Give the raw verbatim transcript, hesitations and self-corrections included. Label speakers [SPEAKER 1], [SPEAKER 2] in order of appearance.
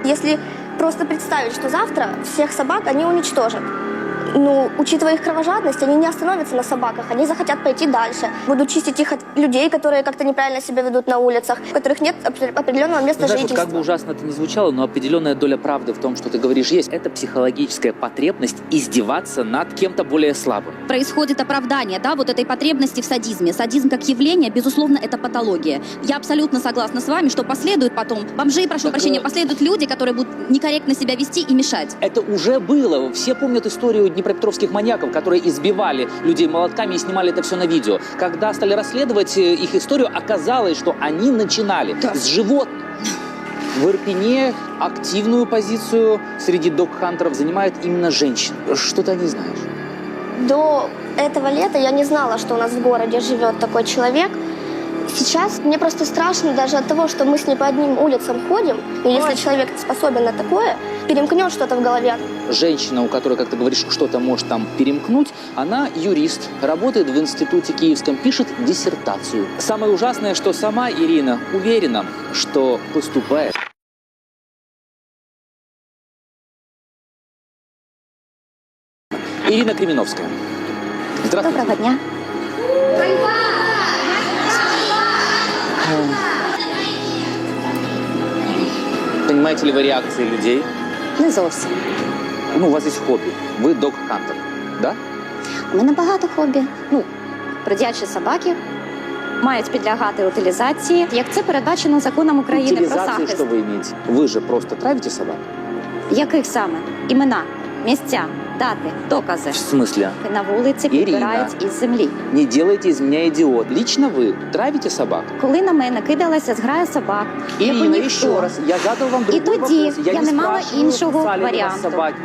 [SPEAKER 1] Если просто представить, что завтра всех собак они уничтожат, ну, учитывая их кровожадность, они не остановятся на собаках, они захотят пойти дальше. Будут чистить их от людей, которые как-то неправильно себя ведут на улицах, у которых нет определенного места
[SPEAKER 2] Знаешь,
[SPEAKER 1] жительства.
[SPEAKER 2] вот как бы ужасно это ни звучало, но определенная доля правды в том, что ты говоришь, есть. Это психологическая потребность издеваться над кем-то более слабым.
[SPEAKER 3] Происходит оправдание, да, вот этой потребности в садизме. Садизм как явление, безусловно, это патология. Я абсолютно согласна с вами, что последуют потом бомжи, прошу
[SPEAKER 2] Так,
[SPEAKER 3] прощения,
[SPEAKER 2] э...
[SPEAKER 3] последуют люди, которые будут некорректно себя вести и мешать.
[SPEAKER 2] Это уже было. Все помнят историю днепропетровских маньяков, которые избивали людей молотками и снимали это все на видео. Когда стали расследовать их историю, оказалось, что они начинали
[SPEAKER 3] Да.
[SPEAKER 2] с животных. В Ирпене активную позицию среди дог-хантеров занимает именно женщин. Что ты о ней знаешь?
[SPEAKER 1] До этого лета я не знала, что у нас в городе живет такой человек. Сейчас мне просто страшно даже от того, что мы с ней по одним улицам ходим, и если человек способен на такое, перемкнет что-то в голове.
[SPEAKER 2] Женщина, у которой, как ты говоришь, что-то может там перемкнуть, она юрист, работает в институте киевском, пишет диссертацию. Самое ужасное, что сама Ирина уверена, что поступает. Ирина Кременовская. Здравствуйте.
[SPEAKER 4] Доброго дня.
[SPEAKER 2] Понимаете ли вы реакции людей?
[SPEAKER 4] Не зовсім.
[SPEAKER 2] Ну, у вас есть хобби. Вы дог-хантер, да?
[SPEAKER 4] У мене багато хобі. Ну, бродячі собаки мають підлягати утилізації, як це передбачено законом України про
[SPEAKER 2] Утилизации,
[SPEAKER 4] захист.
[SPEAKER 2] что вы имеете? Вы же просто травите собак?
[SPEAKER 4] Яких саме? Імена, місця, дати, докази.
[SPEAKER 2] В смысле?
[SPEAKER 4] На вулиці
[SPEAKER 2] Ірина.
[SPEAKER 4] підбирають із землі.
[SPEAKER 2] Не делайте из меня идиот. Лично вы травите собак?
[SPEAKER 4] Коли на мене кидалася зграя собак, я
[SPEAKER 2] Ирина,
[SPEAKER 4] ніхто.
[SPEAKER 2] еще раз, я задал вам другой
[SPEAKER 4] тоді
[SPEAKER 2] вопрос.
[SPEAKER 4] я не мала
[SPEAKER 2] спрашиваю,
[SPEAKER 4] іншого
[SPEAKER 2] кусали ли вас
[SPEAKER 4] варіанту.
[SPEAKER 2] собаки.